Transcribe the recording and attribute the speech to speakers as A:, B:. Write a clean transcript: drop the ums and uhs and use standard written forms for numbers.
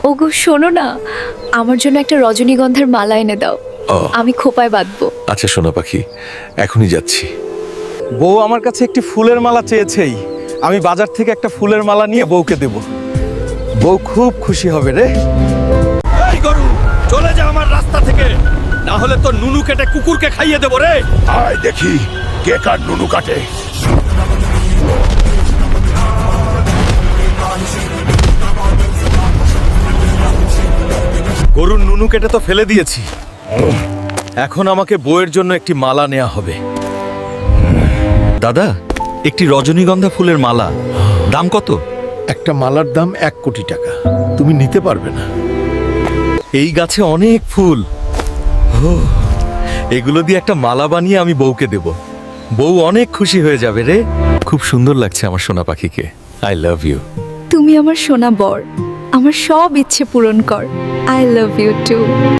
A: ওগো শোনো না, আমার জন্য একটা রজনীগন্ধার মালা এনে দাও।
B: ও।
A: আমি খোপায় বাঁধবো।
B: আচ্ছা সোনা পাখি, এখনই যাচ্ছি।
C: বউ আমার কাছে একটি ফুলের মালা চেয়েছেই, আমি বাজার থেকে একটা ফুলের মালা নিয়ে বউকে দেব। বউ খুব খুশি হবে রে। এই গরু, চলে যা আমার রাস্তা থেকে, না হলে তো নুনু কেটে কুকুরকে খাইয়ে দেবো রে।
B: আয় দেখি কে কার নুনু কাটে।
C: গরুর নুনু কেটে তো ফেলে দিয়েছি, এখন আমাকে বউয়ের জন্য একটি মালা নেওয়া হবে। দাদা, একটি রজনীগন্ধা ফুলের মালা, দাম কত?
B: একটা মালার দাম 1 কোটি টাকা, তুমি নিতে পারবে না।
C: এই গাছে অনেক ফুল, এগুলো দিয়ে একটা মালা বানিয়ে আমি বউকে দেব। বউ অনেক খুশি হয়ে যাবে রে। খুব সুন্দর লাগছে আমার সোনা পাখিকে। I love you.
A: তুমি আমার সোনা বর, আমার সব ইচ্ছে পূরণ কর। I love you two.